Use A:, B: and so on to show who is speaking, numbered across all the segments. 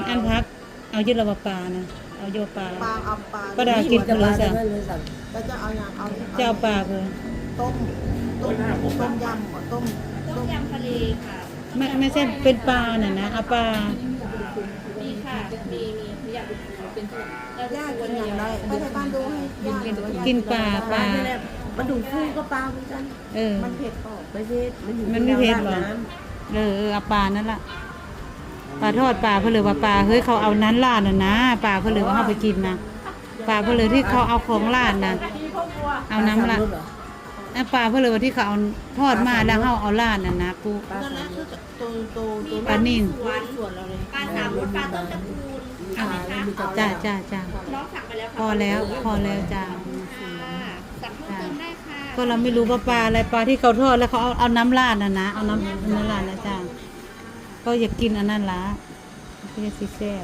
A: อันพักเอายึดระบปลานะเอาโยปลา
B: ปลาเอาปลา
A: ปลาดากินเพลือจ้ะ
B: แล้วจะเอาอย่างเอา
A: จะเอาปลาเพลือ
B: ต้มต้มต้มยำก่อนต้ม
C: ต้มยำทะเลค่ะ
A: ไม่ใช่เป็นปลาน่ะนะเอาปลา
C: มีค่ะมีอยากเป็นเราจะ
B: ย่า
C: ชว
B: กิ
C: น
B: นอย่างไรไปไทยบ้านดูให้ย่าหรือว่าย่า
A: กินปลา
D: มันดูฟูก็ปลาเหมือนกัน
A: เออ
B: มันเผ็ดออก
D: ไม่เผ็ดมันอยู่
A: มันไม่เผ็ดหรอ เอาปลานั่นล่ะปลาทอดปลาเพลือว่าปลาเฮ้ยเขาเอานั้นล่าน่ะนะปลาเพลือว่าเขาไปกินนะปลาเพลือที่เขาเอาของล่านะเอาน้ำละปลาเพลือว่าที่เขาเอาทอดมาแล้วเขาเอาล่าน่ะนะปู
B: นั่นแหละคือตัว
A: ปลานิ่ม
B: ส่วนเราเลย
C: ปลาสามรสปลาต้มตะปูนเอาไหมคะ
A: จ้า
C: น้องสั่งไปแล้วค่ะ
A: พอแล้วจ้า
C: ค่ะสั่งเพิ่มเติมได้ค่ะ
A: ก็เราไม่รู้ว่าปลาอะไรปลาที่เขาทอดแล้วเขาเอาน้ำราดนะเอาน้ำราดนะจ้าก็อยากกินอันนั้นละก็จะซีแซ่บ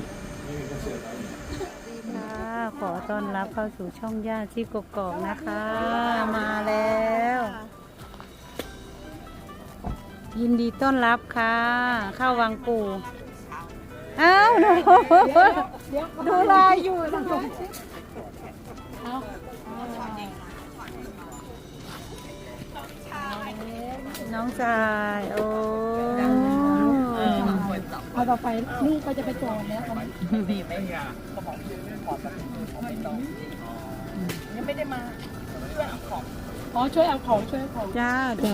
A: ค่ะขอต้อนรับเข้าสู่ช่องย่าที่กกอกนะคะ มาแล้ว ยินดีต้อนรับค่ะเข้าวังปู่อ้าวหนูดูลายอยู่ทำไมน้องชายโอ้เอาต่อไปลูกก็จะไปจอดแล้วตอนนี้
D: ยังไม่ได้มา
A: อ๋อช่วยเอาของจ้าไป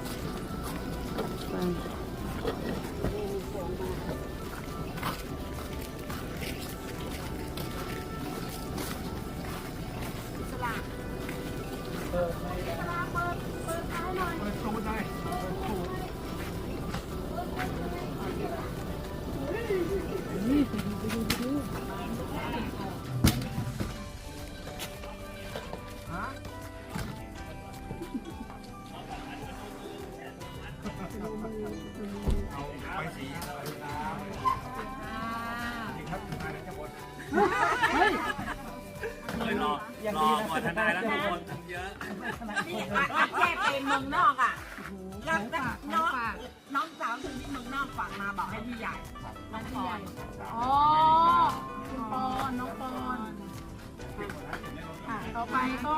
E: รอก่อนทนายแล้วทุกคนเยอะ
D: แค่ไปเมืองนอกอ่ะแล้วน้องสาวถึงที่เมืองนอกฝากมาบอกให้พี่ใหญ่น้องปอนอ๋อคุณปอนน้องปอนค่ะต่อไปก็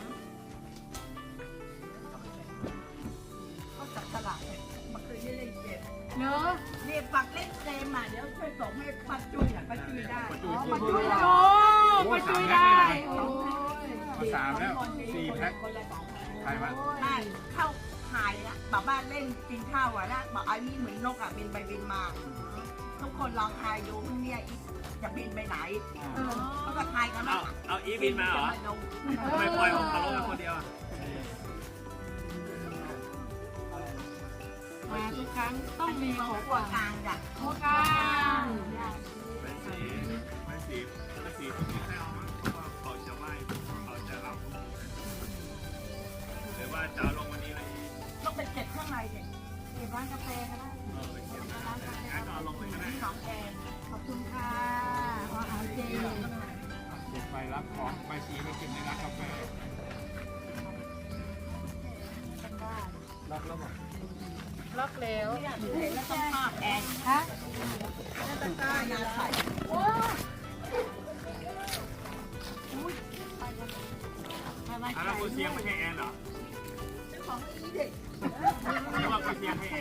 D: เขาจับตลาดมาเคยเล่นเกมเนอะนี่ปักเล่นเกมอ่ะเดี๋ยวช่วยส่งให้ป้าจุ้ยอ่ะป้าจุ้ยได้อ๋อป้าจุ้ยโอ้ป้าจุ้ยได้โอ้ย
E: มาสามแล้ว4 แพ็คใครวะ
D: ไม่เข้าถ่ายนะบอกว่าเล่นกินข้าวอ่ะนะบอกไอ้นี่เหมือนนกอ่ะบินไปบินมา ทุกคนลองทายดูพรุ่งนี้อีกจะบินไปไหนเขาก็ทายกันว่า
E: เอาอีบินมาเหรอทำไมปล่อยของเขาลงมาคนเดียวอ่ะ
C: มาทุกครั้งต้องมี
D: หั
C: ของ
D: วกลางจ้ะ
C: หัวกลาง
E: ไม่สีที่ให้เอาเพราะว่าเขาจะไหว้เขาจะรับหรือว่าจะเอาลงวันนี้เลย
D: ต้องไปเก็บข้างในเด็ก
C: เก็บร้านกาแฟก็ได้
E: ไปเก็บงั้นก็เอาลงเลยก็ได้
D: น้องแกง
C: ขอบคุณค่ะอาหารเจ
E: เก็บไปรับของไปสีไปเก็บในร้านกาแฟรับแล้วหรอ
C: ล็อกแล้ว
D: แล้วต้องภาพแอน
C: ฮะ
D: ตะกร้ายาใส่
E: แล้วคุณเชียงไม่ใช่แอนเหรอ
D: ของอีเด็ก
E: หรือว่าคุณเชียงให้แอน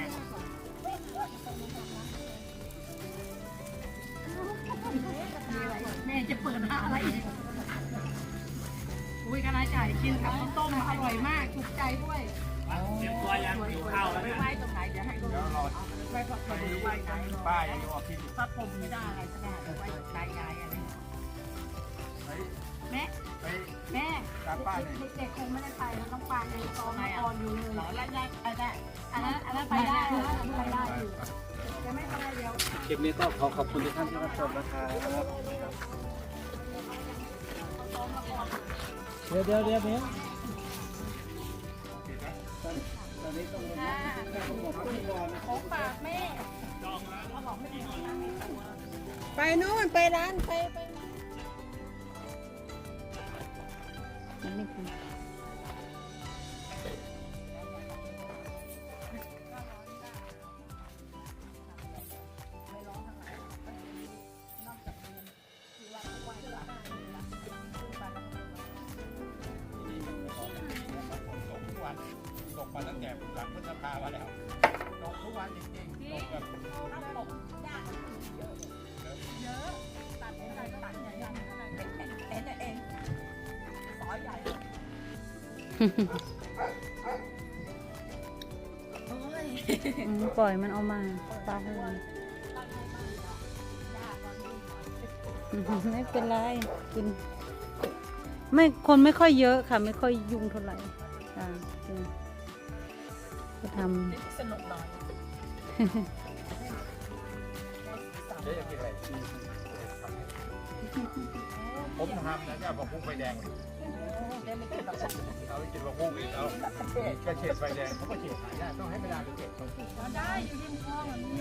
C: แม่จะเปิดอะไรอีกอุ้ยกระไรไก่กินกับข้าวต้มอร่อยมากถูกใจด้วย
E: เตรียมตัวยังหิวข้าวแล้วเนี่ย
D: ไว้ตรงไหนเดี๋ยวให้ดู
E: เดี๋ยวรอ
D: ไว้ผักผลไว้ไหน
E: ป้ายังอยู่ออกที่
D: พระพรหมไม่ได้อะไรก็ได้ไว้ใจยายอะไรแม่
E: ไป
D: แม่
E: ตามป้าเนี่ย
D: เด็กๆคงไม่ได้ไปแล้วต้องปาในตอนอ่อนอยู่เลยแล้วได้อันนั้นไปได้ไปได้อยู่จะไม่ไปเดียว
E: คลิปนี้ก็ขอบคุณทุกท่านที่รับชมนะครับ เดี๋ยว
C: ของฝากแม่
B: ไปนู้นไปร้านไป
E: แล้วตกทุกวันจริงๆตกแบบ
D: ถ้าตกยากเยอะเยอะตัดใหญ่ก็ตัดใหญ่ยังอะไรเองสอยใหญ่โอ้ย
A: ปล่อยมันเอามาปลาให้มันไม่เป็นไรกินไม่คนไม่ค่อยเยอะค่ะ ไม่ค่อยยุ่งเท่าไหร่ค่ะก็ท
D: สนุกหน่อย
E: เจ๊อยากกินอะไรผมทำนะเจ้าผักบุ้งไฟแดงเอาไปกินผักบุ้งอีกเอากระเฉดไฟแดงเขาก็เฉดขายได้ต้องให้เวลาไปเก็บต้อง
D: ได้อยู่ริมคลองแบบนี้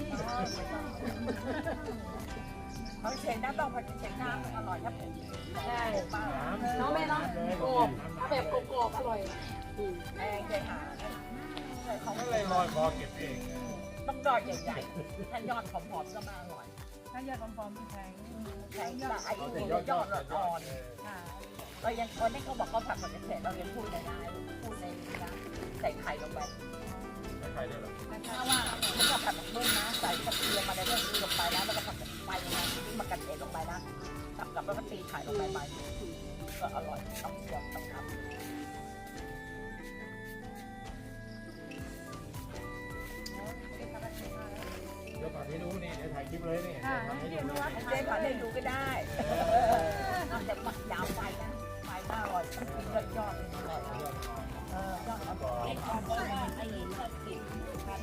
D: เขาเช็ดน้ำต้องผัดเช็ดน้ำอร่อยครับใช่น้องแม่น้องโกบแบบโกบอร่อยแองใจหาเขา
E: ก็เลยลอยคอเก็บเอง
D: ต้องยอดใหญ่ๆถ้ายอดผอมๆก็มาอร่อยถ้ายอดผอมๆแข็งแต่ไอ้ยอดอ่อนเรายังคนที่เขาบอกเขาผัดผัดเฉดเรายังพูดได้พูดในนะใส่ไข่ลงไป
E: ใครได้หรอ
D: ถ้าว่าเขาจะผัดแบบเบิ้ลนะใส่กระเทียมอะไรพวกนี้ลงไปนะแล้วก็ผัดแบบไปนะที่มากระเทียมลงไปนะกับแล้วก็ตีไข่ลงไปก็อร่อยต้องเชื่อมต้องทำ
E: เดี๋ยวผัดให้ดูนี่เดี๋ยวถ่ายคลิปเลยนี่ทำให้ดู
D: เจ๊ผัดให้ดูก็ได้นอกจากหมักยาวไปนะไปน่าอร่อยยอดเลยอร่อยยอดอร่อยไอ้ของก็ว่าไอ้ผัดติดพัน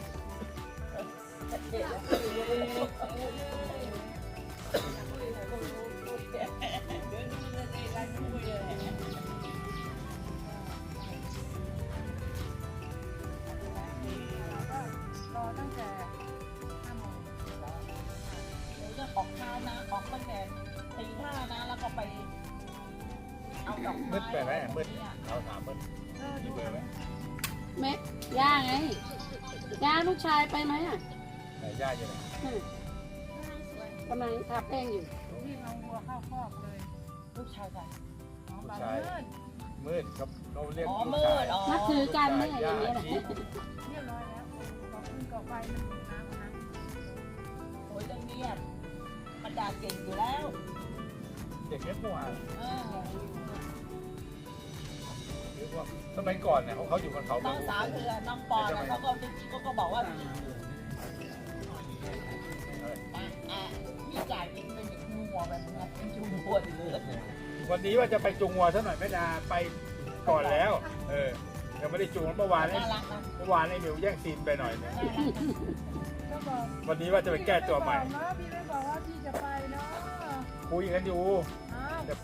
D: รอตั้งแต่5 โมงจะออกเช้านะออกตั้งแต่ตี 5นะแล้วก็ไปเอาดอก
E: มื
D: ไม้
E: ดไปไหมมืดเราถามมืดมีเบอร์ไหม
C: แม่ย่าไงย่าลูกชายไปไหมอ่ะ
E: ไหนญาติอยู่ไหน
C: กำลังทาแป้งอยู่
D: ที่เอาวัวเข้าคอกเลยลูกชายกัน
E: ลูกชายมืดครับเราเรียก
D: อ๋อ
E: ลูก
D: มื
E: ชาย
D: ดอ๋อ
C: นับถือกันเนี่ยอย่างนี้แหละ
D: เรียบร้อยแล้วขอบคุณก่อไฟมันน้ำนะโอ้ยต้องเงียบมันด่าเก่งอยู่แล้ว
E: เด็กเล็กเมื่อวาน
D: เออ
E: หรือว่าสมัยก่อนเนี่ยเขาอยู่บนเขา
D: น้องสาวคือน้องปอนนะเขาก็บอกว่าพี่จ่ายเองเป็นงัวแบบนี้เป็นจูงัวเลย
E: วันนี้ว่าจะไปจูงวัวซะหน่อยไม่ดาไปก่อนแล้วยังไม่ได้จูงเมื่อวาน
D: น่ารักนะ
E: เมื่อวานไอ้หมิวแย่งซีนไปหน่อยเนี่ยวันนี้ว่าจะไปแก้ตัวใหม่
D: พี่ไม่บอกว่าพี่จะไปเนาะ
E: คุยกันอยู่